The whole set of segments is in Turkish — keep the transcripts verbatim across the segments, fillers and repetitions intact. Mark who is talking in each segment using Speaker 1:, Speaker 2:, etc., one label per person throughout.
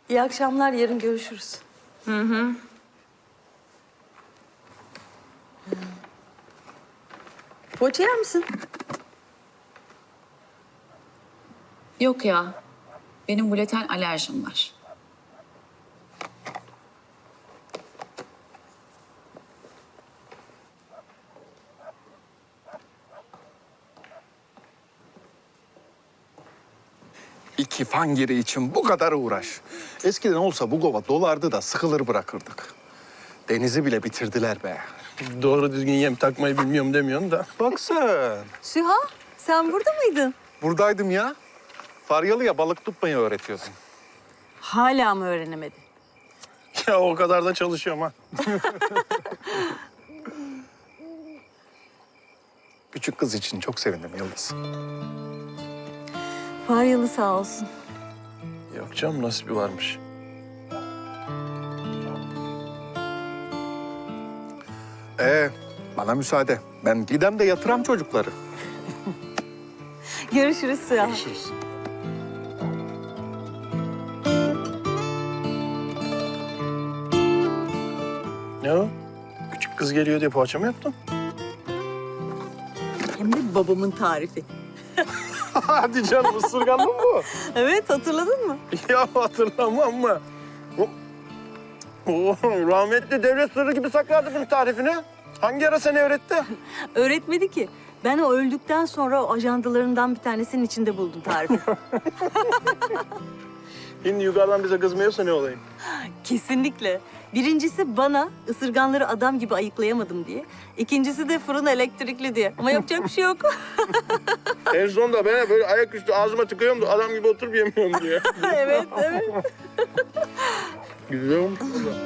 Speaker 1: İyi akşamlar, yarın görüşürüz.
Speaker 2: Hı hı.
Speaker 1: Poğaça yer misin?
Speaker 2: Yok ya. Benim gluten alerjim var.
Speaker 3: İki fangiri için bu kadar uğraş. Eskiden olsa bu kova dolardı da sıkılır bırakırdık. Denizi bile bitirdiler be.
Speaker 4: Doğru düzgün yem takmayı bilmiyorum demiyorsun da.
Speaker 3: Bak sen.
Speaker 1: Süha, sen burada mıydın?
Speaker 3: Buradaydım ya. Faryalı'ya balık tutmayı öğretiyordum.
Speaker 1: Hala mı öğrenemedin?
Speaker 4: Ya o kadar da çalışıyorum ha.
Speaker 3: Küçük kız için çok sevindim Yıldız.
Speaker 1: Faryalı sağ olsun.
Speaker 4: Yok canım, nasibi varmış.
Speaker 3: Ee, bana müsaade. Ben gidem de yatıram çocukları.
Speaker 1: Görüşürüz Süha.
Speaker 3: Görüşürüz.
Speaker 4: Ne o? Küçük kız geliyor diye poğaça mı yaptın?
Speaker 1: Hem de babamın tarifi.
Speaker 4: Hadi canım, ısırganlı mı bu?
Speaker 1: Evet, hatırladın mı?
Speaker 4: Ya hatırlamam mı? O- Oo, rahmetli devlet sırrı gibi saklardı bunun tarifini. Hangi ara seni öğretti?
Speaker 1: Öğretmedi ki. Ben o öldükten sonra o ajandalarından bir tanesinin içinde buldum tarifi.
Speaker 4: Şimdi yukarıdan bize kızmıyorsa ne olayım?
Speaker 1: Kesinlikle. Birincisi bana ısırganları adam gibi ayıklayamadım diye. İkincisi de fırın elektrikli diye. Ama yapacak bir şey yok.
Speaker 4: En sonunda ben böyle ayaküstü ağzıma tıkıyorum da adam gibi oturup yemiyorum diye.
Speaker 1: Evet, evet.
Speaker 4: Güzel olmuş.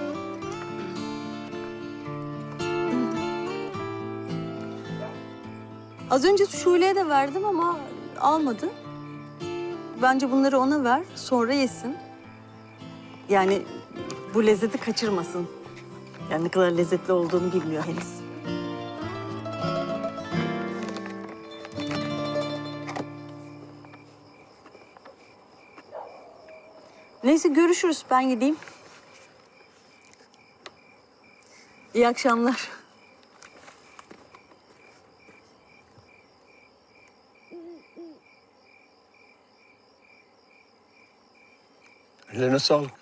Speaker 1: Az önce Şule'ye de verdim ama almadı. Bence bunları ona ver, sonra yesin. Yani bu lezzeti kaçırmasın. Yani ne kadar lezzetli olduğunu bilmiyor henüz. Neyse görüşürüz. Ben gideyim. İyi akşamlar.
Speaker 4: Ellerine sağlık.